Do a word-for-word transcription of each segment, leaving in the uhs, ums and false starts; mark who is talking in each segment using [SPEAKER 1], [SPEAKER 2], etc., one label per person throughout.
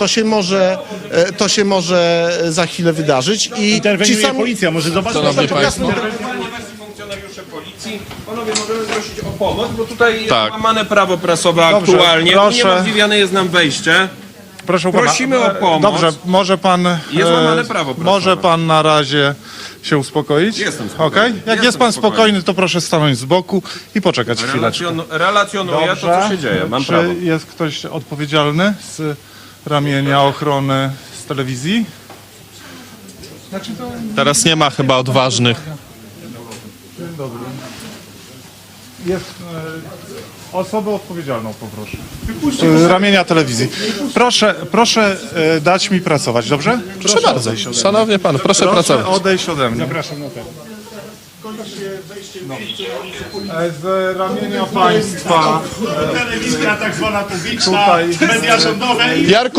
[SPEAKER 1] to się może, e, to się może za chwilę wydarzyć. I
[SPEAKER 2] Interweniuje
[SPEAKER 1] ci sami...
[SPEAKER 2] policja, może zobaczyć.
[SPEAKER 3] Szanowni Państwo.
[SPEAKER 4] Funkcjonariusze policji, panowie, możemy prosić o pomoc, bo tutaj jest
[SPEAKER 2] Tak.
[SPEAKER 4] łamane prawo prasowe
[SPEAKER 2] Dobrze,
[SPEAKER 4] aktualnie.
[SPEAKER 2] proszę.
[SPEAKER 4] Uniemożliwiane jest nam wejście.
[SPEAKER 2] Proszę
[SPEAKER 4] Prosimy
[SPEAKER 2] pana,
[SPEAKER 4] o pomoc.
[SPEAKER 2] Dobrze, może pan.
[SPEAKER 4] Jest
[SPEAKER 2] e,
[SPEAKER 4] łamane prawo prasowe.
[SPEAKER 2] Może pan na razie się uspokoić?
[SPEAKER 4] Jestem spokojny.
[SPEAKER 2] Okej? Jak
[SPEAKER 4] Jestem
[SPEAKER 2] jest pan
[SPEAKER 4] spokojny.
[SPEAKER 2] spokojny, to proszę stanąć z boku i poczekać chwileczkę.
[SPEAKER 4] Relacjon, relacjonuję to, co się dzieje. Mam
[SPEAKER 2] Czy
[SPEAKER 4] prawo.
[SPEAKER 2] jest ktoś odpowiedzialny z ramienia ochrony z telewizji? Znaczy to...
[SPEAKER 3] Teraz nie ma chyba odważnych.
[SPEAKER 2] Jest e, osobę odpowiedzialną, poproszę. Z ramienia telewizji. Proszę, proszę e, dać mi pracować, dobrze?
[SPEAKER 3] Proszę bardzo. Szanowny pan, proszę
[SPEAKER 2] Proszę
[SPEAKER 3] pracować.
[SPEAKER 2] odejść ode mnie. Zapraszam na ten. Z ramienia państwa
[SPEAKER 5] Telewizja tak zwana publiczna,
[SPEAKER 2] Tutaj-
[SPEAKER 5] media rządowe.
[SPEAKER 3] Jarku,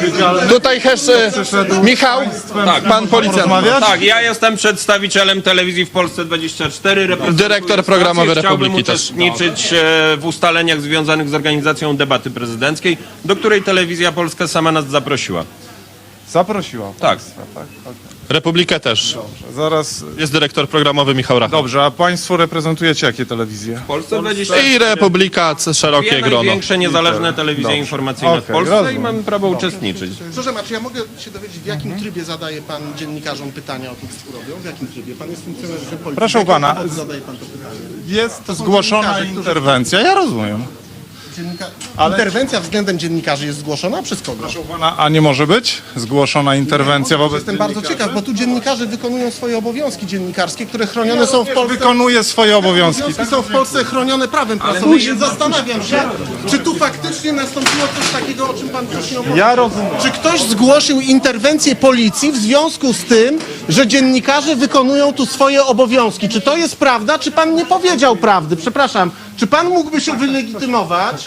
[SPEAKER 3] tutaj jeszcze Michał,
[SPEAKER 4] Tak,
[SPEAKER 3] pan policjant.
[SPEAKER 2] rozmawiać?
[SPEAKER 4] Tak, ja jestem przedstawicielem telewizji w Polsce dwadzieścia cztery. reprezentuję
[SPEAKER 3] Dyrektor programowy
[SPEAKER 4] stację. Chciałbym
[SPEAKER 3] Republiki też.
[SPEAKER 4] uczestniczyć e, w ustaleniach związanych z organizacją debaty prezydenckiej, do której Telewizja Polska sama nas zaprosiła.
[SPEAKER 2] zaprosiła
[SPEAKER 4] Tak.
[SPEAKER 2] państwa, tak? Okay.
[SPEAKER 3] Republikę też.
[SPEAKER 2] Zaraz.
[SPEAKER 3] Jest dyrektor programowy Michał Rachman.
[SPEAKER 2] Dobrze, a państwo reprezentujecie jakie telewizje?
[SPEAKER 4] W Polsce dwadzieścia cztery.
[SPEAKER 3] I Republika, c- szerokie
[SPEAKER 4] Dwie
[SPEAKER 3] grono.
[SPEAKER 4] największe niezależne telewizje
[SPEAKER 2] Dobrze.
[SPEAKER 4] informacyjne w
[SPEAKER 2] Okej,
[SPEAKER 4] Polsce
[SPEAKER 2] rozumiem.
[SPEAKER 4] i mamy prawo uczestniczyć.
[SPEAKER 1] Przepraszam, a czy ja mogę się dowiedzieć, w jakim trybie zadaje pan dziennikarzom pytania o tym, co robią? W jakim trybie? Pan jest funkcjonariuszem policji.
[SPEAKER 2] Proszę
[SPEAKER 1] W jakim
[SPEAKER 2] pana,
[SPEAKER 1] powodu zadaje pan to pytanie?
[SPEAKER 2] Jest
[SPEAKER 1] są
[SPEAKER 2] zgłoszona
[SPEAKER 1] dziennikarze, którzy-
[SPEAKER 2] interwencja, ja rozumiem.
[SPEAKER 1] Dziennika...
[SPEAKER 2] Ale-
[SPEAKER 1] Interwencja względem dziennikarzy jest zgłoszona przez kogo?
[SPEAKER 2] Proszę pana, a nie może być zgłoszona interwencja wobec
[SPEAKER 1] Jestem bardzo ciekaw, bo tu dziennikarze wykonują swoje obowiązki dziennikarskie, które chronione są w Polsce.
[SPEAKER 2] Wykonuje swoje obowiązki.
[SPEAKER 1] Obowiązki są w Polsce chronione prawem prasowym, więc zastanawiam się, czy tu faktycznie nastąpiło coś takiego, o czym pan wcześniej opowiadał.
[SPEAKER 2] Ja rozumiem.
[SPEAKER 1] Czy ktoś zgłosił interwencję policji w związku z tym, że dziennikarze wykonują tu swoje obowiązki? Czy to jest prawda, czy pan nie powiedział prawdy? Przepraszam, czy pan mógłby się wylegitymować?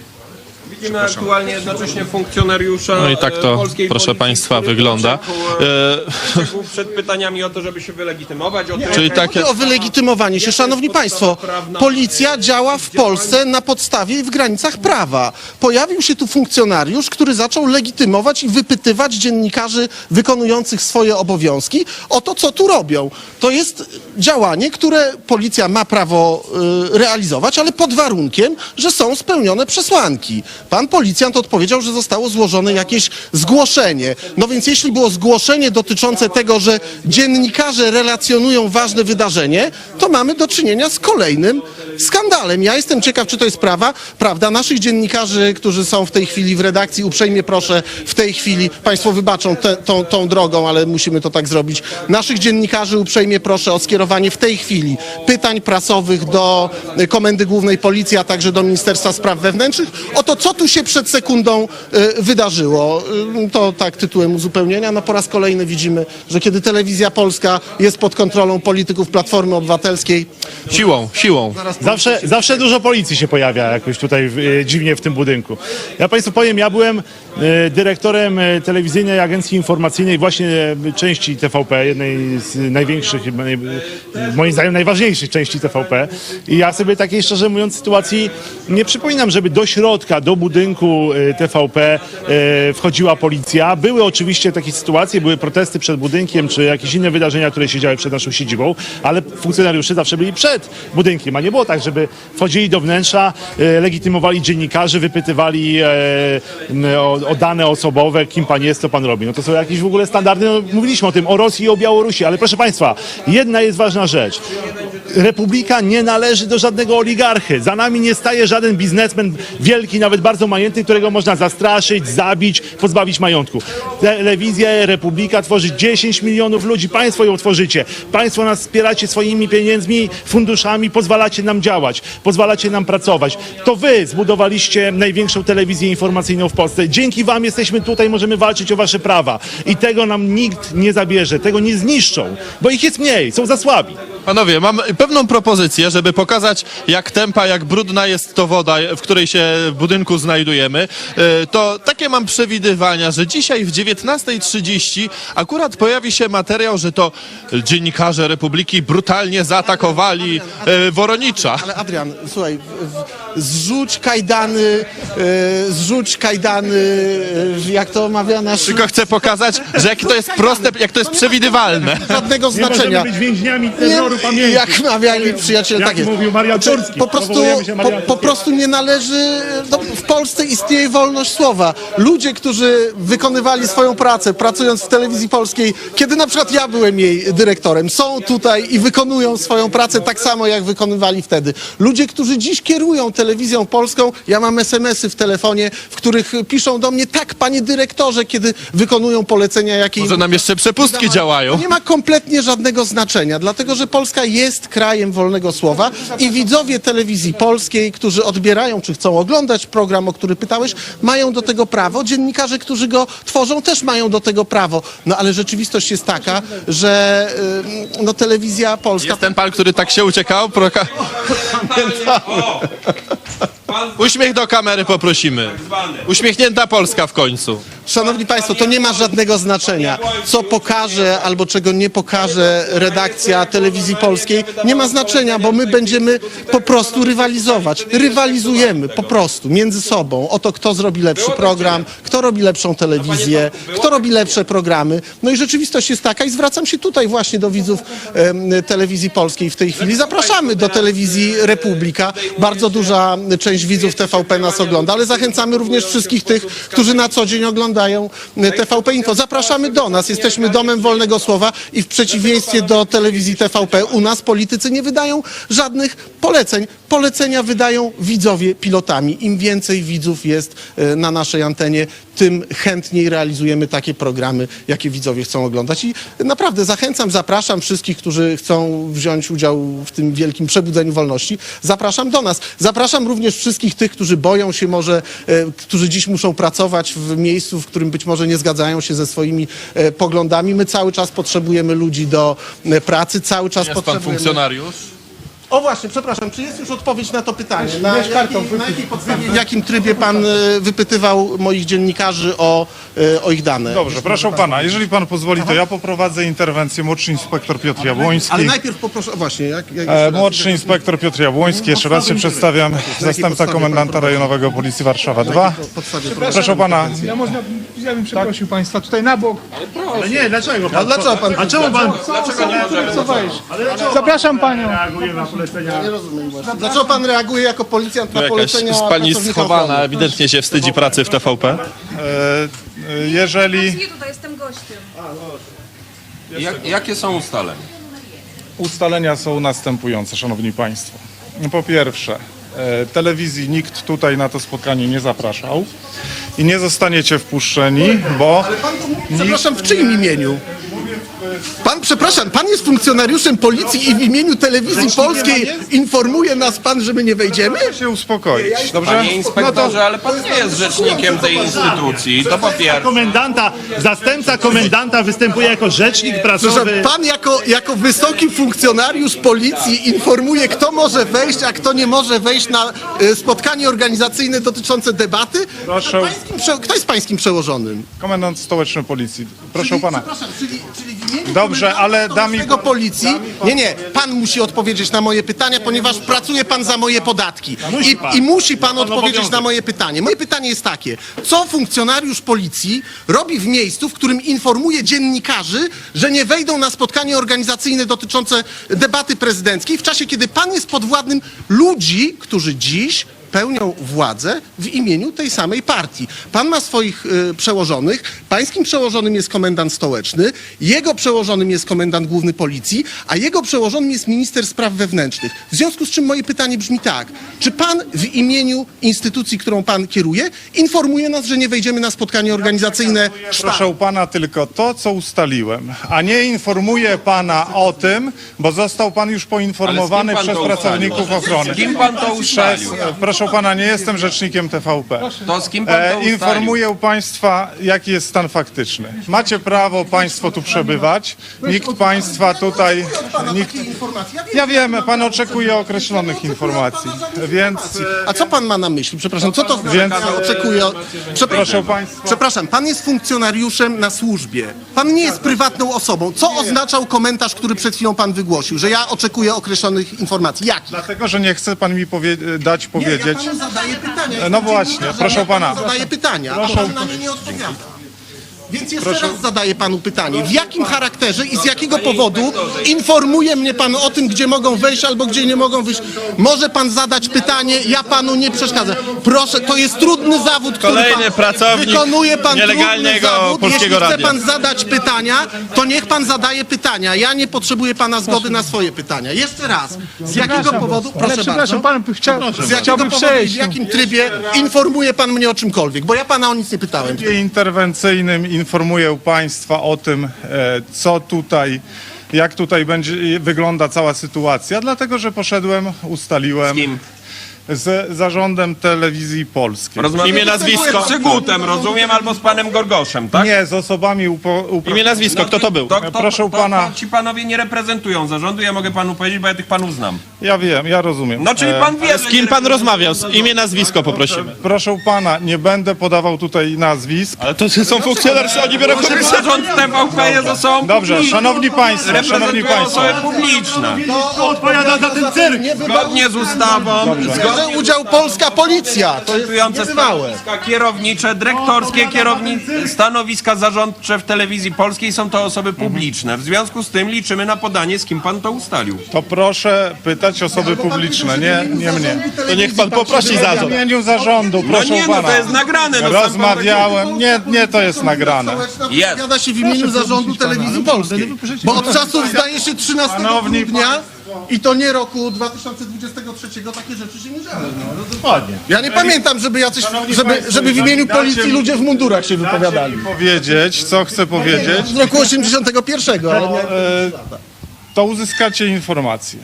[SPEAKER 4] Widzimy aktualnie jednocześnie funkcjonariusza
[SPEAKER 3] No i tak to,
[SPEAKER 4] e, polskiej
[SPEAKER 3] proszę
[SPEAKER 4] policji,
[SPEAKER 3] państwa,
[SPEAKER 4] który
[SPEAKER 3] wygląda.
[SPEAKER 4] uciekł, e, uciekł przed pytaniami o to, żeby się wylegitymować. O to,
[SPEAKER 3] Czyli
[SPEAKER 4] jak-
[SPEAKER 3] takie...
[SPEAKER 1] O wylegitymowanie się, szanowni państwo, policja działa w Polsce na podstawie i w granicach prawa. Pojawił się tu funkcjonariusz, który zaczął legitymować i wypytywać dziennikarzy wykonujących swoje obowiązki o to, co tu robią. To jest działanie, które policja ma prawo y, realizować, ale pod warunkiem, że są spełnione przesłanki. Pan policjant odpowiedział, że zostało złożone jakieś zgłoszenie. No więc jeśli było zgłoszenie dotyczące tego, że dziennikarze relacjonują ważne wydarzenie, to mamy do czynienia z kolejnym skandalem. Ja jestem ciekaw, czy to jest prawa, prawda. Naszych dziennikarzy, którzy są w tej chwili w redakcji, uprzejmie proszę w tej chwili, państwo wybaczą te, tą, tą drogą, ale musimy to tak zrobić. Naszych dziennikarzy uprzejmie proszę o skierowanie w tej chwili pytań prasowych do Komendy Głównej Policji, a także do Ministerstwa Spraw Wewnętrznych o to, co tu się przed sekundą y, wydarzyło. Y, to tak tytułem uzupełnienia. No po raz kolejny widzimy, że kiedy Telewizja Polska jest pod kontrolą polityków Platformy Obywatelskiej,
[SPEAKER 3] Siłą, siłą.
[SPEAKER 2] Zawsze, zawsze dużo policji się pojawia jakoś tutaj e, dziwnie w tym budynku. Ja państwu powiem, ja byłem e, dyrektorem e, telewizyjnej agencji informacyjnej właśnie e, części T V P, jednej z największych, e, moim zdaniem najważniejszych części T V P. I ja sobie takiej, szczerze mówiąc, sytuacji nie przypominam, żeby do środka, do budynku e, T V P e, wchodziła policja. Były oczywiście takie sytuacje, były protesty przed budynkiem, czy jakieś inne wydarzenia, które się działy przed naszą siedzibą, ale funkcjonariusze zawsze byli przed budynkiem, a nie było tak, żeby wchodzili do wnętrza, e, legitymowali dziennikarzy, wypytywali e, o, o dane osobowe, kim pan jest, co pan robi. No to są jakieś w ogóle standardy, no, mówiliśmy o tym, o Rosji i o Białorusi, ale proszę państwa, jedna jest ważna rzecz. Republika nie należy do żadnego oligarchy. Za nami nie staje żaden biznesmen wielki, nawet bardzo majętny, którego można zastraszyć, zabić, pozbawić majątku. Telewizja Republika tworzy dziesięć milionów ludzi. Państwo ją tworzycie. Państwo nas wspieracie swoimi pieniędzmi, funduszami, pozwalacie nam działać, pozwalacie nam pracować. To wy zbudowaliście największą telewizję informacyjną w Polsce. Dzięki wam jesteśmy tutaj, możemy walczyć o wasze prawa. I tego nam nikt nie zabierze, tego nie zniszczą, bo ich jest mniej, są za słabi.
[SPEAKER 3] Panowie, mam pewną propozycję, żeby pokazać, jak tempa, jak brudna jest to woda, w której się w budynku znajdujemy. E, To takie mam przewidywania, że dzisiaj w dziewiętnasta trzydzieści akurat pojawi się materiał, że to dziennikarze Republiki brutalnie zaatakowali e, Woronicza.
[SPEAKER 1] Ale Adrian, słuchaj, w- w- zrzuć kajdany, e, zrzuć kajdany, e, jak to mawia nasz...
[SPEAKER 3] Tylko chcę pokazać, że jak to jest proste, jak to jest przewidywalne.
[SPEAKER 1] Żadnego
[SPEAKER 5] Nie
[SPEAKER 1] znaczenia.
[SPEAKER 5] możemy być więźniami terroru pamięci.
[SPEAKER 1] Jak mawiali przyjaciele,
[SPEAKER 5] Jak
[SPEAKER 1] tak jest.
[SPEAKER 5] mówił Marian
[SPEAKER 1] Znaczy,
[SPEAKER 5] Turski,
[SPEAKER 1] po prostu,
[SPEAKER 5] powołujemy się
[SPEAKER 1] po,
[SPEAKER 5] Marian
[SPEAKER 1] po
[SPEAKER 5] Turskiego.
[SPEAKER 1] prostu nie należy, no, w Polsce istnieje wolność słowa. Ludzie, którzy wykonywali swoją pracę, pracując w telewizji polskiej, kiedy na przykład ja byłem jej dyrektorem, są tutaj i wykonują swoją pracę tak samo, jak wykonywali wtedy. Ludzie, którzy dziś kierują telewizją polską, ja mam es em esy w telefonie, w których piszą do mnie, tak, panie dyrektorze, kiedy wykonują polecenia, jakie
[SPEAKER 3] Może
[SPEAKER 1] im
[SPEAKER 3] nam jeszcze przepustki działają.
[SPEAKER 1] to nie ma kompletnie żadnego znaczenia, dlatego że Polska jest krajem wolnego słowa i widzowie telewizji polskiej, którzy odbierają czy chcą oglądać program, o który pytałeś, mają do tego prawo. Dziennikarze, którzy go tworzą, też mają do tego prawo. No ale rzeczywistość jest taka, że y, no, telewizja polska...
[SPEAKER 3] Jest ten pan, który tak się uciekał? Proka...
[SPEAKER 4] O! Pan
[SPEAKER 3] Uśmiech do kamery poprosimy. Uśmiechnięta Polska w końcu.
[SPEAKER 1] Szanowni Państwo, to nie ma żadnego znaczenia. Co pokaże albo czego nie pokaże redakcja telewizji polskiej, nie ma znaczenia, bo my będziemy po prostu rywalizować. Rywalizujemy po prostu między sobą o to, kto zrobi lepszy program, kto robi lepszą telewizję, kto robi lepsze programy. No i rzeczywistość jest taka i zwracam się tutaj właśnie do widzów em, telewizji polskiej w tej chwili. Zapraszamy do telewizji Republika. Bardzo duża część widzów T V P nas ogląda, ale zachęcamy również wszystkich tych, którzy na co dzień oglądają T V P Info. Zapraszamy do nas. Jesteśmy domem wolnego słowa i w przeciwieństwie do telewizji T V P u nas politycy nie wydają żadnych poleceń. Polecenia wydają widzowie pilotami. Im więcej widzów jest e, na naszej antenie, tym chętniej realizujemy takie programy, jakie widzowie chcą oglądać. I naprawdę zachęcam, zapraszam wszystkich, którzy chcą wziąć udział w tym wielkim przebudzeniu wolności. Zapraszam do nas. Zapraszam również wszystkich tych, którzy boją się może, e, którzy dziś muszą pracować w miejscu, w którym być może nie zgadzają się ze swoimi e, poglądami. My cały czas potrzebujemy ludzi do e, pracy, cały czas
[SPEAKER 3] Jest pan
[SPEAKER 1] potrzebujemy...
[SPEAKER 3] funkcjonariusz?
[SPEAKER 1] O właśnie, przepraszam, czy jest już odpowiedź na to pytanie? Na, jakiej, na jakiej podstawie, w jakim trybie pan e, wypytywał moich dziennikarzy o, e, o ich dane?
[SPEAKER 6] Dobrze, proszę pana, jeżeli pan pozwoli, to ja poprowadzę interwencję. Młodszy inspektor Piotr Jabłoński.
[SPEAKER 1] Ale najpierw poproszę, o właśnie, jak... jak
[SPEAKER 6] E, Młodszy inspektor Piotr Jabłoński, jeszcze raz się przedstawiam, zastępca
[SPEAKER 1] podstawie
[SPEAKER 6] komendanta
[SPEAKER 1] pan
[SPEAKER 6] rejonowego Policji Warszawa dwa.
[SPEAKER 1] podstawie
[SPEAKER 6] Proszę pana,
[SPEAKER 7] Ja można, ja bym przeprosił państwa tutaj na bok.
[SPEAKER 5] Ale nie, dlaczego
[SPEAKER 1] A
[SPEAKER 5] pan?
[SPEAKER 1] dlaczego pan...
[SPEAKER 5] A czemu pan
[SPEAKER 7] Co wejść? Zapraszam panią.
[SPEAKER 5] reaguje na polecenia?
[SPEAKER 1] Nie rozumiem właśnie. Dlaczego pan reaguje jako policjant na
[SPEAKER 3] Jakaś
[SPEAKER 1] polecenia
[SPEAKER 3] z pani
[SPEAKER 1] pracownika
[SPEAKER 3] schowana,
[SPEAKER 1] ochrony?
[SPEAKER 3] ewidentnie się wstydzi pracy w T V P.
[SPEAKER 6] e, e, jeżeli
[SPEAKER 8] Nie, tutaj jestem gościem.
[SPEAKER 4] Jak, jakie są ustalenia?
[SPEAKER 6] ustalenia są następujące, szanowni państwo. Po pierwsze, e, telewizji nikt tutaj na to spotkanie nie zapraszał i nie zostaniecie wpuszczeni, bo
[SPEAKER 1] Przepraszam, w czyim imieniu? Pan, przepraszam, pan jest funkcjonariuszem policji i w imieniu telewizji polskiej informuje nas pan, że my nie wejdziemy?
[SPEAKER 6] się uspokoić, dobrze?
[SPEAKER 4] Panie inspektorze, ale pan nie jest rzecznikiem tej instytucji. To po pierwsze.
[SPEAKER 5] Komendanta, zastępca komendanta występuje jako rzecznik
[SPEAKER 1] Przepraszam,
[SPEAKER 5] prasowy.
[SPEAKER 1] pan jako, jako wysoki funkcjonariusz policji informuje, kto może wejść, a kto nie może wejść na e, spotkanie organizacyjne dotyczące debaty?
[SPEAKER 6] Proszę.
[SPEAKER 1] Pańskim prze- Kto jest pańskim przełożonym?
[SPEAKER 6] Komendant stołeczny policji. Proszę pana.
[SPEAKER 1] Przepraszam, czyli, czyli w imieniu
[SPEAKER 6] Dobrze, ale da mi-
[SPEAKER 1] tego policji. Nie, nie, pan musi odpowiedzieć na moje pytania, ponieważ pracuje pan za moje podatki.
[SPEAKER 5] Musi
[SPEAKER 1] I,
[SPEAKER 5] pan.
[SPEAKER 1] I musi pan
[SPEAKER 5] To pan
[SPEAKER 1] odpowiedzieć
[SPEAKER 5] obowiązek.
[SPEAKER 1] na moje pytanie. Moje pytanie jest takie: co funkcjonariusz policji robi w miejscu, w którym informuje dziennikarzy, że nie wejdą na spotkanie organizacyjne dotyczące debaty prezydenckiej, w czasie, kiedy pan jest podwładnym ludzi, którzy dziś pełnią władzę w imieniu tej samej partii. Pan ma swoich y, przełożonych, pańskim przełożonym jest komendant stołeczny, jego przełożonym jest komendant główny policji, a jego przełożonym jest minister spraw wewnętrznych. W związku z czym moje pytanie brzmi tak: czy pan w imieniu instytucji, którą pan kieruje, informuje nas, że nie wejdziemy na spotkanie organizacyjne sztabu?
[SPEAKER 6] Proszę pana tylko to, co ustaliłem, a nie informuję pana o tym, bo został pan już poinformowany
[SPEAKER 4] Ale z kim pan
[SPEAKER 6] przez
[SPEAKER 4] to
[SPEAKER 6] pracowników
[SPEAKER 4] ustalił?
[SPEAKER 6] ochrony.
[SPEAKER 4] Z kim pan to
[SPEAKER 6] Przez,
[SPEAKER 4] ustalił?
[SPEAKER 6] proszę proszę pana, nie jestem rzecznikiem T V P.
[SPEAKER 4] To z kim pan to
[SPEAKER 6] E,
[SPEAKER 4] ustalił?
[SPEAKER 6] informuję państwa, jaki jest stan faktyczny. Macie prawo państwo tu przebywać. Nikt państwa tutaj... Nikt... Ja wiem, pan oczekuje określonych informacji, więc...
[SPEAKER 1] A co pan ma na myśli? Przepraszam, co to
[SPEAKER 6] Więc-
[SPEAKER 1] Więc... oczekuje? Przepraszam,
[SPEAKER 6] Proszę państwa.
[SPEAKER 1] przepraszam, pan jest funkcjonariuszem na służbie. Pan nie jest prywatną osobą. Co oznaczał komentarz, który przed chwilą pan wygłosił? Że ja oczekuję określonych informacji. Jakich?
[SPEAKER 6] Dlatego, że nie chce pan mi powie... dać powiedzieć...
[SPEAKER 1] Ja panu zadaję pytania.
[SPEAKER 6] No właśnie, proszę pana.
[SPEAKER 1] Zadaję pytania, a pan na nie nie odpowiada. Więc jeszcze raz zadaję panu pytanie. W jakim charakterze i z jakiego powodu informuje mnie pan o tym, gdzie mogą wejść albo gdzie nie mogą wyjść? Może pan zadać pytanie, ja panu nie przeszkadzam. Proszę, to jest trudny zawód, który
[SPEAKER 3] Kolejny
[SPEAKER 1] pan
[SPEAKER 3] pracownik
[SPEAKER 1] wykonuje pan
[SPEAKER 3] nielegalnego
[SPEAKER 1] trudny zawód.
[SPEAKER 3] Polskiego
[SPEAKER 1] Jeśli chce
[SPEAKER 3] Radia.
[SPEAKER 1] pan zadać pytania, to niech pan zadaje pytania. Ja nie potrzebuję pana zgody na swoje pytania. Jeszcze raz. Z jakiego powodu?
[SPEAKER 7] Ale
[SPEAKER 1] Proszę
[SPEAKER 7] przepraszam,
[SPEAKER 1] bardzo.
[SPEAKER 7] pan by chciał,
[SPEAKER 1] Z jakiego
[SPEAKER 7] chciałby
[SPEAKER 1] powodu i
[SPEAKER 7] przejść.
[SPEAKER 1] w jakim trybie informuje pan mnie o czymkolwiek? Bo ja pana o nic nie pytałem.
[SPEAKER 6] W trybie interwencyjnym informuję państwa o tym, e, co tutaj, jak tutaj będzie wygląda cała sytuacja, dlatego że poszedłem, ustaliłem
[SPEAKER 4] Z kim?
[SPEAKER 6] z zarządem telewizji polskiej.
[SPEAKER 4] Rozmawiam
[SPEAKER 3] Imię, nazwisko.
[SPEAKER 4] z Przygutem, rozumiem, albo z panem Gorgoszem, tak?
[SPEAKER 6] Nie, z osobami upo, upro...
[SPEAKER 3] Imię, nazwisko, kto to był?
[SPEAKER 4] To, to,
[SPEAKER 6] Proszę
[SPEAKER 4] to,
[SPEAKER 6] pana.
[SPEAKER 4] To ci panowie nie reprezentują zarządu, ja mogę panu powiedzieć, bo ja tych panów znam.
[SPEAKER 6] Ja wiem, ja rozumiem.
[SPEAKER 4] No czyli
[SPEAKER 6] E,
[SPEAKER 4] pan wie,
[SPEAKER 3] Z kim pan rozmawiał? Z imię, nazwisko poprosimy.
[SPEAKER 6] Proszę pana, nie będę podawał tutaj nazwisk.
[SPEAKER 3] Ale to są funkcjonariusze, oni biorą komisję.
[SPEAKER 4] Zarząd T V P jest osobą
[SPEAKER 6] Dobrze,
[SPEAKER 4] publiczną.
[SPEAKER 6] szanowni państwo, szanowni
[SPEAKER 4] Reprezentują
[SPEAKER 6] państwo.
[SPEAKER 4] osoby publiczne.
[SPEAKER 5] Kto odpowiada za ten cyrk?
[SPEAKER 4] Zgodnie z ustawą,
[SPEAKER 1] Bierze udział polska policja. To jest
[SPEAKER 4] reprezentujące
[SPEAKER 1] niebywałe.
[SPEAKER 4] stanowiska kierownicze, dyrektorskie kierowni... stanowiska zarządcze w telewizji polskiej są to osoby publiczne. W związku z tym liczymy na podanie, z kim pan to ustalił.
[SPEAKER 6] To proszę pytać osoby publiczne, nie, nie mnie.
[SPEAKER 3] To niech pan poprosi
[SPEAKER 6] W
[SPEAKER 3] zarząd.
[SPEAKER 6] imieniu zarządu,
[SPEAKER 4] No
[SPEAKER 6] proszę
[SPEAKER 4] nie, no
[SPEAKER 6] pana.
[SPEAKER 4] to jest nagrane. No sam pan
[SPEAKER 6] Rozmawiałem, nie, nie to jest nagrane.
[SPEAKER 4] Jest.
[SPEAKER 1] Wypowiada się w imieniu zarządu telewizji polskiej. Bo od czasów zdaje się trzynastego
[SPEAKER 6] Szanowni
[SPEAKER 1] grudnia i to nie roku dwa tysiące dwudziestego trzeciego takie rzeczy się nie działy.
[SPEAKER 5] Dokładnie.
[SPEAKER 1] Ja nie pamiętam, żeby jacyś,
[SPEAKER 6] Szanowni
[SPEAKER 1] żeby,
[SPEAKER 6] państwo,
[SPEAKER 1] żeby w imieniu
[SPEAKER 6] dacie
[SPEAKER 1] policji
[SPEAKER 6] mi-
[SPEAKER 1] ludzie w mundurach się
[SPEAKER 6] Dacie
[SPEAKER 1] wypowiadali.
[SPEAKER 6] mi powiedzieć, co chcę powiedzieć,
[SPEAKER 1] Z roku osiemdziesiątego pierwszego, ale nie...
[SPEAKER 6] e, to uzyskacie informację.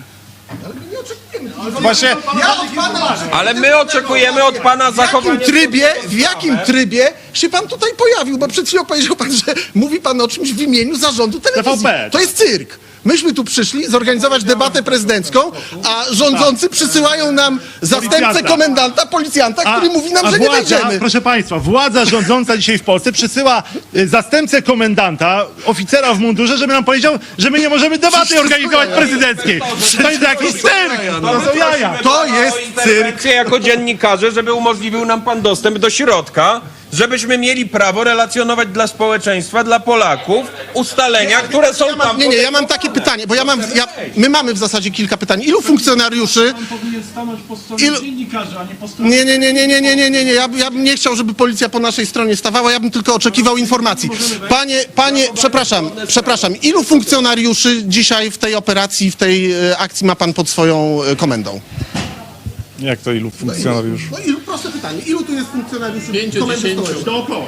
[SPEAKER 6] Właśnie
[SPEAKER 1] Ja od pana
[SPEAKER 4] Ale my oczekujemy od pana
[SPEAKER 1] w jakim
[SPEAKER 4] zachowania...
[SPEAKER 1] trybie, w jakim trybie się pan tutaj pojawił? Bo przed chwilą powiedział pan, że mówi pan o czymś w imieniu zarządu telewizji.
[SPEAKER 5] T V P.
[SPEAKER 1] To jest cyrk. Myśmy tu przyszli zorganizować debatę prezydencką, a rządzący przysyłają nam zastępcę
[SPEAKER 5] Policjanta.
[SPEAKER 1] komendanta, policjanta, który mówi nam,
[SPEAKER 5] a
[SPEAKER 1] że nie
[SPEAKER 5] władza,
[SPEAKER 1] wejdziemy.
[SPEAKER 5] Proszę państwa, władza rządząca dzisiaj w Polsce przysyła y, zastępcę komendanta, oficera w mundurze, żeby nam powiedział, że my nie możemy debaty organizować prezydenckiej. To jest jakiś cyrk! To są jaja!
[SPEAKER 1] To jest cyrk.
[SPEAKER 4] interwencję jako dziennikarze, żeby umożliwił nam pan dostęp do środka, żebyśmy mieli prawo relacjonować dla społeczeństwa, dla Polaków ustalenia, które są
[SPEAKER 1] Ja mam,
[SPEAKER 4] tam...
[SPEAKER 1] nie, nie, ja mam takie pytanie, bo ja mam, ja, my mamy w zasadzie kilka pytań. Ilu funkcjonariuszy... Ilu... Nie, nie, nie, nie, nie, nie, nie, nie, nie. Ja, ja bym nie chciał, żeby policja po naszej stronie stawała, ja bym tylko oczekiwał informacji. Panie, panie, przepraszam, przepraszam, ilu funkcjonariuszy dzisiaj w tej operacji, w tej e, akcji ma pan pod swoją e, komendą?
[SPEAKER 6] jak to ilu funkcjonariuszy?
[SPEAKER 1] No ilu, proste pytanie, ilu tu jest funkcjonariuszy komendy stołecznej?
[SPEAKER 5] Dookoła.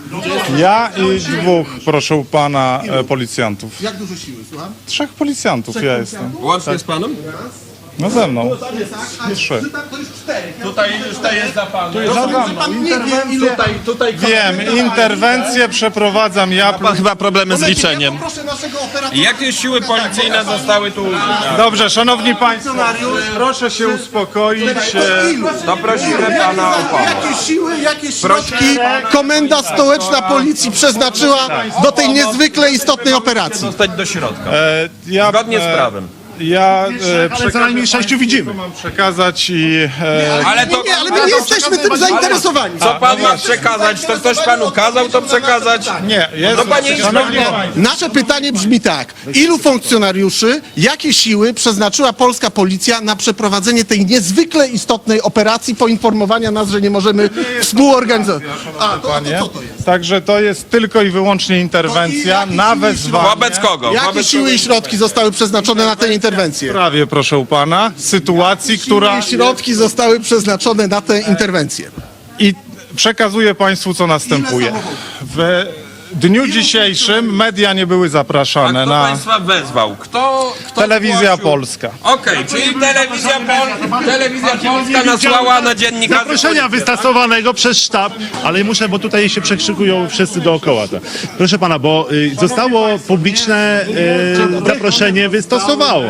[SPEAKER 6] Ja i dwóch, proszę pana, e, policjantów.
[SPEAKER 1] Jak dużo siły, słucham?
[SPEAKER 6] Trzech policjantów ja jestem.
[SPEAKER 4] Łącznie z panem?
[SPEAKER 6] No ze mną.
[SPEAKER 1] A,
[SPEAKER 6] Trzy.
[SPEAKER 1] to już cztery.
[SPEAKER 4] Tutaj już to jest za panem.
[SPEAKER 1] Pan nie wie, ile...
[SPEAKER 6] Wiem, interwencję przeprowadzam ja.
[SPEAKER 3] Pan chyba problemy z liczeniem.
[SPEAKER 1] Ja poproszę naszego operatora...
[SPEAKER 4] Jakie siły policyjne zostały tu użyte?
[SPEAKER 6] Dobrze, szanowni państwo, proszę się uspokoić. e,
[SPEAKER 1] Ilu?
[SPEAKER 4] To prosimy pana o pomoc.
[SPEAKER 1] Jakie siły, jakie środki Komenda Stołeczna Policji przeznaczyła do tej niezwykle istotnej operacji?
[SPEAKER 4] Zostać do środka.
[SPEAKER 6] e, Ja,
[SPEAKER 4] Zgodnie z
[SPEAKER 6] e,
[SPEAKER 4] prawem.
[SPEAKER 6] Ja e,
[SPEAKER 5] Ale co najmniej sześciu widzimy.
[SPEAKER 6] mam przekazać i e,
[SPEAKER 4] Ale to...
[SPEAKER 1] Nie, ale my nie jesteśmy tym zainteresowani.
[SPEAKER 4] Co pan ma przekazać? To ktoś panu kazał to przekazać?
[SPEAKER 6] nie, jest,
[SPEAKER 4] No panie
[SPEAKER 6] szanowni
[SPEAKER 4] inspektorze,
[SPEAKER 6] państwo,
[SPEAKER 1] Nasze pytanie brzmi tak. Ilu funkcjonariuszy, jakie siły przeznaczyła polska policja na przeprowadzenie tej niezwykle istotnej operacji, poinformowania nas, że nie możemy współorganizować? A, to, to,
[SPEAKER 6] panie.
[SPEAKER 1] co to jest?
[SPEAKER 6] Także to jest tylko i wyłącznie interwencja
[SPEAKER 1] To i
[SPEAKER 6] na
[SPEAKER 1] jakie siły
[SPEAKER 6] wezwanie.
[SPEAKER 4] Wobec kogo?
[SPEAKER 1] Jakie
[SPEAKER 4] Wobec
[SPEAKER 1] siły
[SPEAKER 4] kogo?
[SPEAKER 1] i środki zostały przeznaczone na tę interwencję?
[SPEAKER 6] Prawie, proszę pana, sytuacji, która...
[SPEAKER 1] Jakie środki zostały przeznaczone na tę interwencję?
[SPEAKER 6] I przekazuję państwu, co następuje.
[SPEAKER 1] samochodów?
[SPEAKER 6] W, dniu dzisiejszym media nie były
[SPEAKER 4] A
[SPEAKER 6] zapraszane
[SPEAKER 4] kto
[SPEAKER 6] na
[SPEAKER 4] państwa wezwał? Kto, kto
[SPEAKER 6] Telewizja
[SPEAKER 4] zgłosił?
[SPEAKER 6] Polska.
[SPEAKER 4] Okej, czyli telewizja, Pol... telewizja Polska nasłała na dziennikarzy...
[SPEAKER 2] Zaproszenia wystosowanego przez sztab, ale muszę, bo tutaj się przekrzykują wszyscy dookoła. To. Proszę pana, bo y, zostało publiczne y, zaproszenie wystosowało.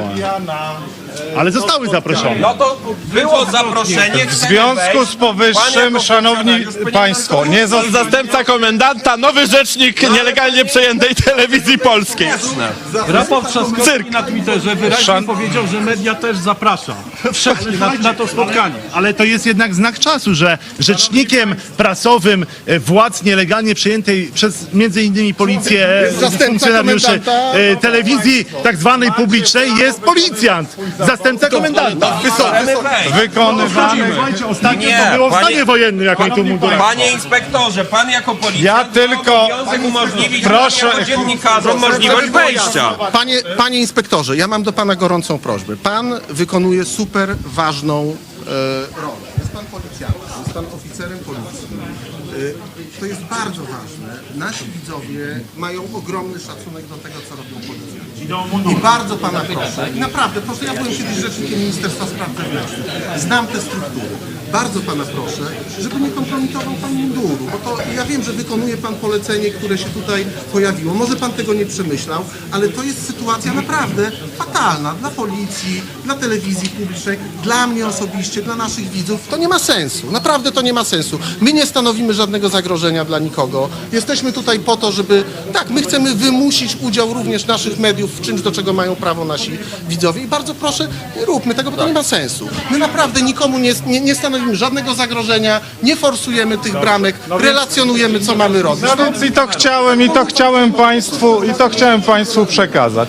[SPEAKER 2] Ale zostały zaproszone.
[SPEAKER 4] No to było zaproszenie.
[SPEAKER 6] W związku z powyższym, szanowni państwo, nie zo-
[SPEAKER 3] Zastępca komendanta, nowy rzecznik nielegalnie przejętej telewizji polskiej.
[SPEAKER 8] Rafał Trzaskowski
[SPEAKER 3] Cyrk.
[SPEAKER 8] na Twitterze wyraźnie
[SPEAKER 6] Szan-
[SPEAKER 8] powiedział, że media też zaprasza na, na to spotkanie.
[SPEAKER 2] Ale to jest jednak znak czasu, że rzecznikiem prasowym e, władz nielegalnie przejętej przez między innymi policję e, funkcjonariuszy
[SPEAKER 1] komendanta.
[SPEAKER 2] e, telewizji tak zwanej publicznej jest policjant, zastępca komendanta.
[SPEAKER 6] wykonywany.
[SPEAKER 2] Słuchajcie, ostatnio
[SPEAKER 4] Nie,
[SPEAKER 2] to było w
[SPEAKER 4] panie-
[SPEAKER 2] stanie wojennym, jak oni tu mundurach.
[SPEAKER 4] Panie inspektorze, pan jako policjant
[SPEAKER 6] Ja
[SPEAKER 4] ma
[SPEAKER 6] tylko-
[SPEAKER 4] obowiązek umożliwić
[SPEAKER 6] Proszę-
[SPEAKER 4] nam jako dziennikarzom możliwość wejścia.
[SPEAKER 1] Panie, panie inspektorze, ja mam do pana gorącą prośbę. Pan wykonuje super ważną e, rolę. Jest pan policjantem, jest pan oficerem policji. E, to jest bardzo ważne. Nasi widzowie mają ogromny szacunek do tego, co robią policjanci. I bardzo pana proszę, i naprawdę proszę, ja byłem kiedyś rzecznikiem Ministerstwa Spraw Wewnętrznych. Znam te struktury. Bardzo pana proszę, żeby nie kompromitował pan munduru, bo to ja wiem, że wykonuje pan polecenie, które się tutaj pojawiło. Może pan tego nie przemyślał, ale to jest sytuacja naprawdę fatalna dla policji, dla telewizji publicznej, dla mnie osobiście, dla naszych widzów. To nie ma sensu. Naprawdę to nie ma sensu. My nie stanowimy żadnego zagrożenia dla nikogo. Jesteśmy tutaj po to, żeby, tak, my chcemy wymusić udział również naszych mediów w czymś, do czego mają prawo nasi widzowie. I bardzo proszę, nie róbmy tego, bo to nie ma sensu. My naprawdę nikomu nie, nie, nie stanowimy żadnego zagrożenia, nie forsujemy tych bramek, relacjonujemy, co mamy robić.
[SPEAKER 6] No więc i to chciałem, i to chciałem państwu, i to chciałem państwu przekazać.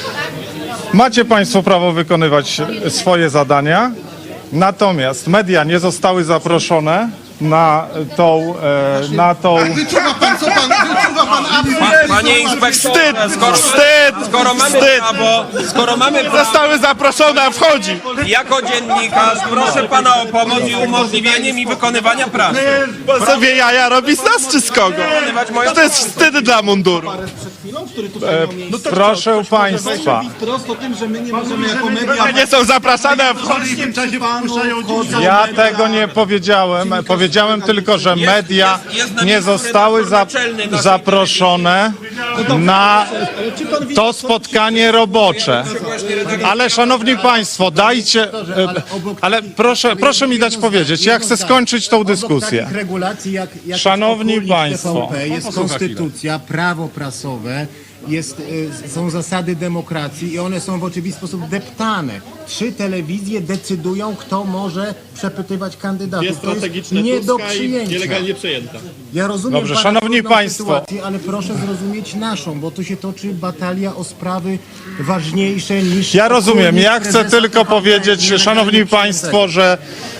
[SPEAKER 6] Macie państwo prawo wykonywać swoje zadania, natomiast media nie zostały zaproszone na tą, e, na tą...
[SPEAKER 1] Wyczuwa pan, co pan, wyczuwa pan
[SPEAKER 4] Pa, panie inspektorze, skoro,
[SPEAKER 3] Wstyd!
[SPEAKER 4] skoro mamy
[SPEAKER 3] Wstyd!
[SPEAKER 4] prawo, skoro mamy prawo,
[SPEAKER 3] Zostały zaproszone, a wchodzi.
[SPEAKER 4] jako dziennikarz proszę pana o pomoc i umożliwienie mi wykonywania pracy.
[SPEAKER 3] Bo sobie jaja robi z nas czy z kogo? To jest wstyd dla munduru.
[SPEAKER 6] Proszę państwa,
[SPEAKER 3] Nie są zapraszane, a wchodzi.
[SPEAKER 2] W tym czasie wpuszczają dzieci.
[SPEAKER 6] ja tego nie powiedziałem. Powiedziałem tylko, że media nie zostały za, zaproszone na to spotkanie robocze. Ale szanowni państwo, dajcie... e, Ale proszę, proszę mi dać powiedzieć, ja chcę skończyć tą dyskusję.
[SPEAKER 9] Takich regulacji jak, jak
[SPEAKER 6] Szanowni
[SPEAKER 9] jest
[SPEAKER 6] państwo.
[SPEAKER 9] T V P, jest konstytucja, prawo prasowe, jest, y, są zasady demokracji i one są w oczywisty sposób deptane. Trzy telewizje decydują, kto może przepytywać kandydatów. To jest nie do przyjęcia.
[SPEAKER 3] przejęta.
[SPEAKER 9] Ja rozumiem
[SPEAKER 6] Dobrze,
[SPEAKER 9] pana
[SPEAKER 6] szanowni
[SPEAKER 9] trudną
[SPEAKER 6] państwo.
[SPEAKER 9] sytuację, ale proszę zrozumieć naszą, bo tu się toczy batalia o sprawy ważniejsze niż...
[SPEAKER 6] Ja rozumiem, ja chcę
[SPEAKER 9] prezesa
[SPEAKER 6] tylko
[SPEAKER 9] T V P,
[SPEAKER 6] powiedzieć,
[SPEAKER 9] nielegalnie
[SPEAKER 6] szanowni
[SPEAKER 9] przyjętego.
[SPEAKER 6] państwo, że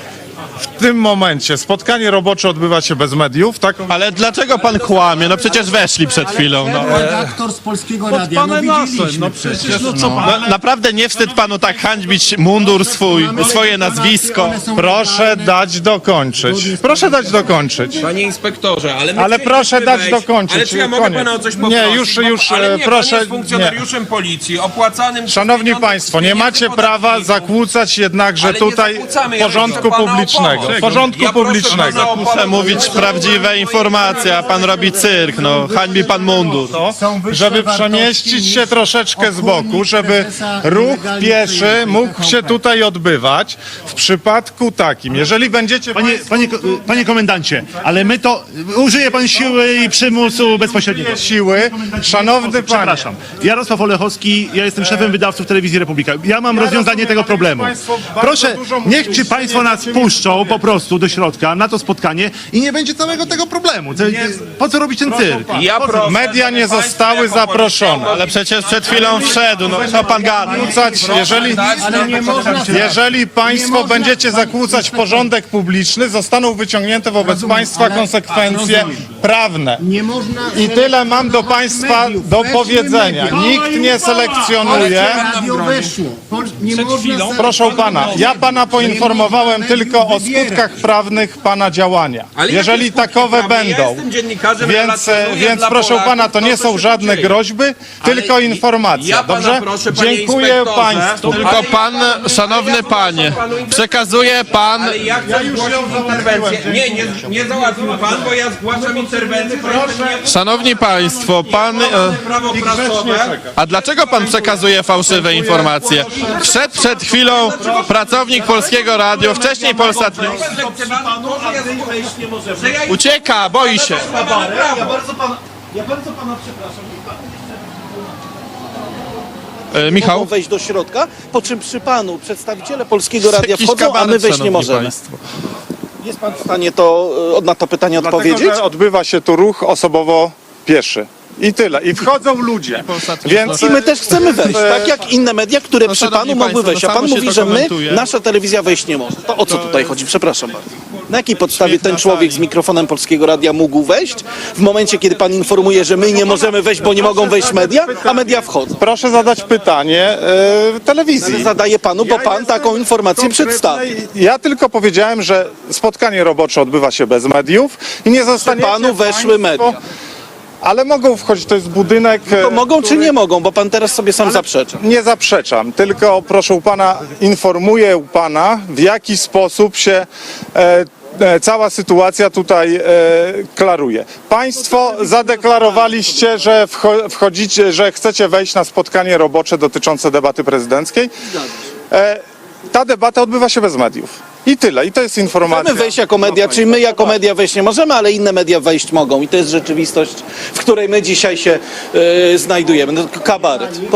[SPEAKER 6] w tym momencie spotkanie robocze odbywa się bez mediów, tak?
[SPEAKER 3] Ale dlaczego pan kłamie? No przecież weszli przed chwilą. No.
[SPEAKER 9] Redaktor z Polskiego Radia, no widzieliśmy
[SPEAKER 8] no
[SPEAKER 9] przecież.
[SPEAKER 8] przecież, no co pan?
[SPEAKER 3] No, naprawdę nie wstyd panu tak hańbić mundur swój, swoje nazwisko.
[SPEAKER 9] One są
[SPEAKER 6] Proszę
[SPEAKER 9] legalne.
[SPEAKER 6] dać dokończyć. Proszę dać dokończyć.
[SPEAKER 4] Panie inspektorze, ale my
[SPEAKER 6] Ale
[SPEAKER 4] chcieliśmy
[SPEAKER 6] proszę dać
[SPEAKER 4] wejść.
[SPEAKER 6] dokończyć,
[SPEAKER 4] Ale czy ja mogę
[SPEAKER 6] koniec.
[SPEAKER 4] pana o coś
[SPEAKER 6] Nie,
[SPEAKER 4] poprosić?
[SPEAKER 6] już-
[SPEAKER 4] Bo-
[SPEAKER 6] już,
[SPEAKER 4] ale
[SPEAKER 6] e,
[SPEAKER 4] nie,
[SPEAKER 6] proszę,
[SPEAKER 4] pan jest funkcjonariuszem policji, opłacanym... przez
[SPEAKER 6] Szanowni
[SPEAKER 4] pieniądze
[SPEAKER 6] państwo, nie
[SPEAKER 4] pieniędzy
[SPEAKER 6] macie prawa
[SPEAKER 4] podatników.
[SPEAKER 6] zakłócać jednakże
[SPEAKER 4] Ale nie
[SPEAKER 6] tutaj
[SPEAKER 4] zakłócamy, ja
[SPEAKER 6] porządku
[SPEAKER 4] proszę pana o
[SPEAKER 6] publicznego.
[SPEAKER 4] pomoc.
[SPEAKER 6] Porządku
[SPEAKER 4] Ja proszę
[SPEAKER 6] publicznego.
[SPEAKER 4] pana o
[SPEAKER 3] Muszę
[SPEAKER 4] pomoc.
[SPEAKER 3] mówić prawdziwe informacje, a pan robi cyrk, no. Hańbi pan mundur.
[SPEAKER 9] Są wyższe
[SPEAKER 6] Żeby
[SPEAKER 9] wartości
[SPEAKER 6] przemieścić się
[SPEAKER 9] niż
[SPEAKER 6] troszeczkę z boku,
[SPEAKER 9] okólnik
[SPEAKER 6] żeby
[SPEAKER 9] prezesa
[SPEAKER 6] ruch
[SPEAKER 9] nielegalnie
[SPEAKER 6] pieszy
[SPEAKER 9] przejętej
[SPEAKER 6] mógł
[SPEAKER 9] T V
[SPEAKER 6] się
[SPEAKER 9] P.
[SPEAKER 6] tutaj odbywać. W przypadku takim, jeżeli będziecie
[SPEAKER 2] Panie, panie, panie komendancie, ale my to, użyje pan siły i przymusu bezpośredniego.
[SPEAKER 6] siły, szanowny panie,
[SPEAKER 2] Przepraszam. Jarosław Olechowski, ja jestem szefem wydawców Telewizji Republika. Ja mam rozwiązanie
[SPEAKER 6] rozumiem,
[SPEAKER 2] tego
[SPEAKER 6] ale
[SPEAKER 2] problemu.
[SPEAKER 6] państwo bardzo
[SPEAKER 2] Proszę,
[SPEAKER 6] dużo
[SPEAKER 2] niech
[SPEAKER 6] mówicie,
[SPEAKER 2] czy państwo
[SPEAKER 6] nie
[SPEAKER 2] nas
[SPEAKER 6] będziecie
[SPEAKER 2] puszczą po prostu do środka na to spotkanie i nie będzie całego tego problemu. Co, po co robić ten cyrk?
[SPEAKER 4] Ja proszę,
[SPEAKER 6] media nie
[SPEAKER 4] żeby
[SPEAKER 6] zostały
[SPEAKER 4] państwo jako
[SPEAKER 6] zaproszone.
[SPEAKER 3] Ale przecież przed chwilą wszedł, no co pan gada?
[SPEAKER 6] Zakłócać, jeżeli,
[SPEAKER 9] Ale nie można...
[SPEAKER 6] jeżeli państwo
[SPEAKER 9] można-
[SPEAKER 6] będziecie zakłócać porządek publiczny, zostaną wyciągnięte wobec
[SPEAKER 9] Rozumiem,
[SPEAKER 6] państwa
[SPEAKER 9] ale-
[SPEAKER 6] konsekwencje
[SPEAKER 9] rozumiem.
[SPEAKER 6] prawne.
[SPEAKER 9] Nie można...
[SPEAKER 6] I tyle mam do państwa
[SPEAKER 9] mediów.
[SPEAKER 6] do
[SPEAKER 9] Weszły
[SPEAKER 6] powiedzenia.
[SPEAKER 9] media.
[SPEAKER 6] Nikt nie selekcjonuje.
[SPEAKER 9] Radio weszło. Pol- Nie można za-
[SPEAKER 6] Proszę pana, ja pana poinformowałem tylko o skutkach prawnych pana działania.
[SPEAKER 4] Ale
[SPEAKER 6] Jeżeli
[SPEAKER 4] jakie skutki
[SPEAKER 6] takowe
[SPEAKER 4] prawne? Ja
[SPEAKER 6] będą.
[SPEAKER 4] jestem dziennikarzem,
[SPEAKER 6] Więc,
[SPEAKER 4] relacjonuję
[SPEAKER 6] więc
[SPEAKER 4] dla
[SPEAKER 6] proszę
[SPEAKER 4] Polaków
[SPEAKER 6] pana, to nie
[SPEAKER 4] co
[SPEAKER 6] są
[SPEAKER 4] się
[SPEAKER 6] żadne
[SPEAKER 4] dzieje.
[SPEAKER 6] groźby,
[SPEAKER 4] Ale
[SPEAKER 6] tylko
[SPEAKER 4] i-
[SPEAKER 6] informacja.
[SPEAKER 4] ja pana
[SPEAKER 6] Dobrze?
[SPEAKER 4] proszę, panie
[SPEAKER 6] Dziękuję
[SPEAKER 4] inspektorze,
[SPEAKER 6] państwu.
[SPEAKER 3] Tylko
[SPEAKER 4] Ale
[SPEAKER 3] pan,
[SPEAKER 4] ja-
[SPEAKER 3] szanowny
[SPEAKER 4] ale ja
[SPEAKER 3] panie,
[SPEAKER 4] zgłaszam panu
[SPEAKER 3] przekazuje pan...
[SPEAKER 4] Ale ja chcę zgłosić interwencję. Nie, nie, nie załatwił pan, bo ja zgłaszam interwencję. Proszę.
[SPEAKER 3] Szanowni państwo, pan... e,
[SPEAKER 4] Prawo prasowe.
[SPEAKER 3] A dlaczego pan przekazuje fałszywe informacje? Wszedł przed chwilą pracownik Polskiego Radia, wcześniej Polsat News. Ucieka, boi się.
[SPEAKER 8] Ja bardzo pana, ja bardzo pana przepraszam.
[SPEAKER 3] E, Michał?
[SPEAKER 10] Mogą wejść do środka, po czym przy panu przedstawiciele Polskiego Radia
[SPEAKER 3] Jakiś
[SPEAKER 10] wchodzą, a my
[SPEAKER 3] kabaret,
[SPEAKER 10] wejść nie
[SPEAKER 3] szanowni
[SPEAKER 10] możemy.
[SPEAKER 3] państwo.
[SPEAKER 10] Jest pan w stanie to, e, na to pytanie
[SPEAKER 6] Dlatego,
[SPEAKER 10] odpowiedzieć?
[SPEAKER 6] że odbywa się tu ruch osobowo-pieszy. I tyle. I wchodzą ludzie. Więc
[SPEAKER 10] I my też chcemy wejść, tak jak inne media, które
[SPEAKER 3] No,
[SPEAKER 10] przy
[SPEAKER 3] szanowni
[SPEAKER 10] panu mogły
[SPEAKER 3] państwo,
[SPEAKER 10] wejść. A
[SPEAKER 3] no,
[SPEAKER 10] pan
[SPEAKER 3] samo się
[SPEAKER 10] mówi,
[SPEAKER 3] to
[SPEAKER 10] że my,
[SPEAKER 3] komentuje.
[SPEAKER 10] nasza telewizja wejść nie może. To o co tutaj chodzi? Przepraszam bardzo. Na jakiej podstawie ten człowiek z mikrofonem Polskiego Radia mógł wejść w momencie, kiedy pan informuje, że my nie możemy wejść, bo nie mogą wejść media, a media wchodzą?
[SPEAKER 6] proszę zadać pytanie e, telewizji.
[SPEAKER 10] Zadaję panu, bo pan taką informację przedstawił.
[SPEAKER 6] Ja tylko powiedziałem, że spotkanie robocze odbywa się bez mediów i nie zostanie
[SPEAKER 10] Panu weszły media.
[SPEAKER 6] Ale mogą wchodzić, to jest budynek.
[SPEAKER 10] To
[SPEAKER 6] e,
[SPEAKER 10] mogą czy
[SPEAKER 6] który-
[SPEAKER 10] nie mogą, bo pan teraz sobie sam zaprzecza.
[SPEAKER 6] Nie zaprzeczam, tylko proszę pana, informuję pana, w jaki sposób się e, e, cała sytuacja tutaj e, klaruje. Państwo zadeklarowaliście, że wcho- wchodzicie, że chcecie wejść na spotkanie robocze dotyczące debaty prezydenckiej. E, ta debata odbywa się bez mediów. I tyle. I to jest informacja.
[SPEAKER 10] Możemy wejść jako media, czyli my jako media wejść nie możemy, ale inne media wejść mogą. I to jest rzeczywistość, w której my dzisiaj się yy, znajdujemy. No, to kabaret.